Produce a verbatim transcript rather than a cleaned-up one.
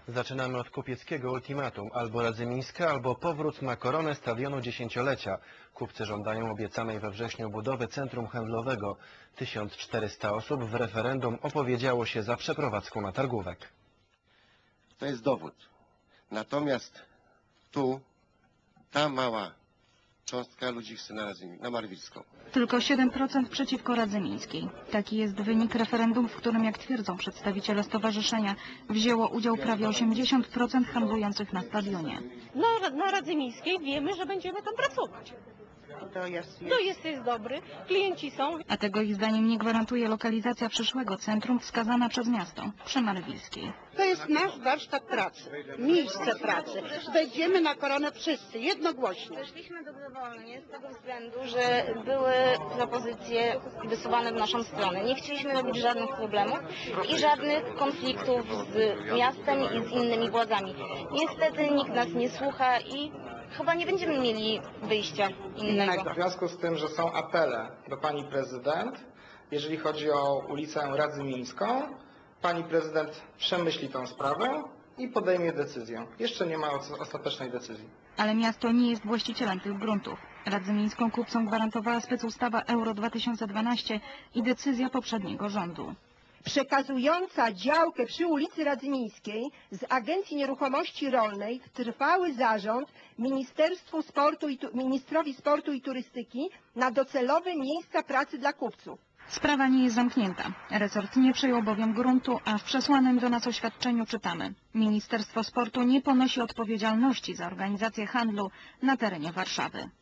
Zaczynamy od kupieckiego ultimatum. Albo Radzymińska, albo powrót na koronę stadionu dziesięciolecia. Kupcy żądają obiecanej we wrześniu budowy centrum handlowego. tysiąc czterysta osób w referendum opowiedziało się za przeprowadzką na targówek. To jest dowód. Natomiast tu ta mała cząstka ludzi chce na, na Marwilską. Tylko siedem procent przeciwko Radzymińskiej. Taki jest wynik referendum, w którym, jak twierdzą przedstawiciele stowarzyszenia, wzięło udział prawie osiemdziesiąt procent handlujących na stadionie. Na, na Radzymińskiej wiemy, że będziemy tam pracować. To jest, jest. To jest, jest dobry, klienci są. A tego ich zdaniem nie gwarantuje lokalizacja przyszłego centrum wskazana przez miasto, przy Marwilskiej. To jest nasz warsztat pracy, miejsce pracy. Wejdziemy na koronę wszyscy, jednogłośnie. Weszliśmy dobrowolnie z tego względu, że były propozycje wysuwane w naszą stronę. Nie chcieliśmy robić żadnych problemów i żadnych konfliktów z miastem i z innymi władzami. Niestety nikt nas nie słucha i chyba nie będziemy mieli wyjścia innego. W związku z tym, że są apele do pani prezydent, jeżeli chodzi o ulicę Radzymińską, pani prezydent przemyśli tę sprawę i podejmie decyzję. Jeszcze nie ma ostatecznej decyzji. Ale miasto nie jest właścicielem tych gruntów. Radzymińską kupcom gwarantowała specustawa Euro dwa tysiące dwanaście i decyzja poprzedniego rządu. Przekazująca działkę przy ulicy Radzymińskiej z Agencji Nieruchomości Rolnej w trwały zarząd Ministerstwu Sportu i, Ministrowi Sportu i Turystyki na docelowe miejsca pracy dla kupców. Sprawa nie jest zamknięta. Resort nie przejął bowiem gruntu, a w przesłanym do nas oświadczeniu czytamy: Ministerstwo Sportu nie ponosi odpowiedzialności za organizację handlu na terenie Warszawy.